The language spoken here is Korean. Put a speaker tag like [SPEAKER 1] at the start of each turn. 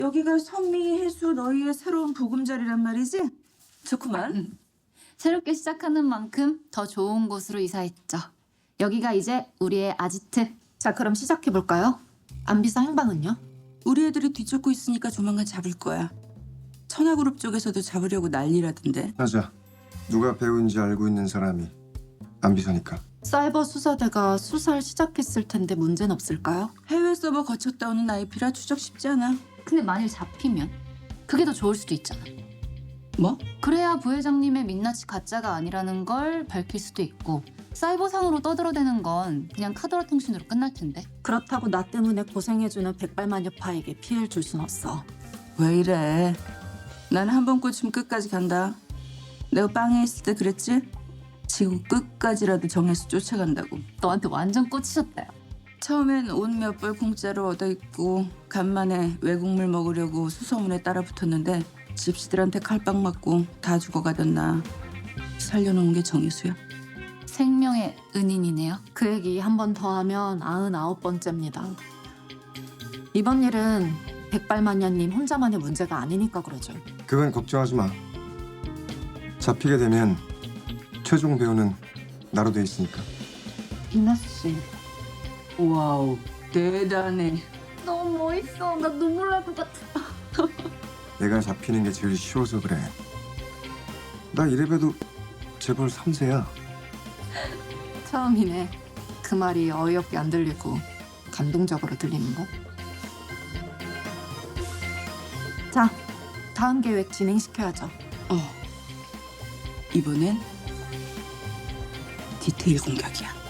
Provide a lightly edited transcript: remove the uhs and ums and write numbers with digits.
[SPEAKER 1] 여기가 선미, 혜수 너희의 새로운 보금자리란 말이지? 좋구만.
[SPEAKER 2] 새롭게 시작하는 만큼 더 좋은 곳으로 이사했죠. 여기가 이제 우리의 아지트.
[SPEAKER 3] 자, 그럼 시작해볼까요? 안비서 행방은요?
[SPEAKER 1] 우리 애들이 뒤쫓고 있으니까 조만간 잡을 거야. 천하그룹 쪽에서도 잡으려고 난리라던데.
[SPEAKER 4] 맞아. 누가 배우인지 알고 있는 사람이 안비서니까.
[SPEAKER 3] 사이버 수사대가 수사를 시작했을 텐데 문제는 없을까요?
[SPEAKER 1] 해외 서버 거쳤다 오는 IP라 추적 쉽지 않아.
[SPEAKER 2] 근데 만일 잡히면 그게 더 좋을 수도 있잖아.
[SPEAKER 1] 뭐?
[SPEAKER 2] 그래야 부회장님의 민낯이 가짜가 아니라는 걸 밝힐 수도 있고 사이버상으로 떠들어대는 건 그냥 카더라 통신으로 끝날 텐데.
[SPEAKER 3] 그렇다고 나 때문에 고생해주는 백발마녀파에게 피해를 줄 순 없어.
[SPEAKER 1] 왜 이래? 난 한 번 꽂히면 끝까지 간다. 내가 빵에 있을 때 그랬지? 지구 끝까지라도 정해서 쫓아간다고.
[SPEAKER 2] 너한테 완전 꽂히셨다요.
[SPEAKER 1] 처음엔 옷 몇 벌 공짜로 얻어 입고 간만에 외국물 먹으려고 수소문에 따라 붙었는데 집시들한테 칼빵 맞고 다 죽어가던 나 살려놓은 게 정유수야.
[SPEAKER 2] 생명의 은인이네요.
[SPEAKER 3] 그 얘기 한 번 더 하면 99번째입니다. 이번 일은 백발마녀님 혼자만의 문제가 아니니까 그러죠.
[SPEAKER 4] 그건 걱정하지 마. 잡히게 되면 최종 배우는 나로 돼 있으니까.
[SPEAKER 2] 민낯 씨.
[SPEAKER 1] 와우, 대단해.
[SPEAKER 2] 너무 멋있어. 나 눈물 날 것 같아.
[SPEAKER 4] 내가 잡히는 게 제일 쉬워서 그래. 나 이래봬도 재벌 3세야.
[SPEAKER 3] 처음이네. 그 말이 어이없게 안 들리고 감동적으로 들리는 거. 자, 다음 계획 진행시켜야죠.
[SPEAKER 1] 이번엔 디테일 공격이야.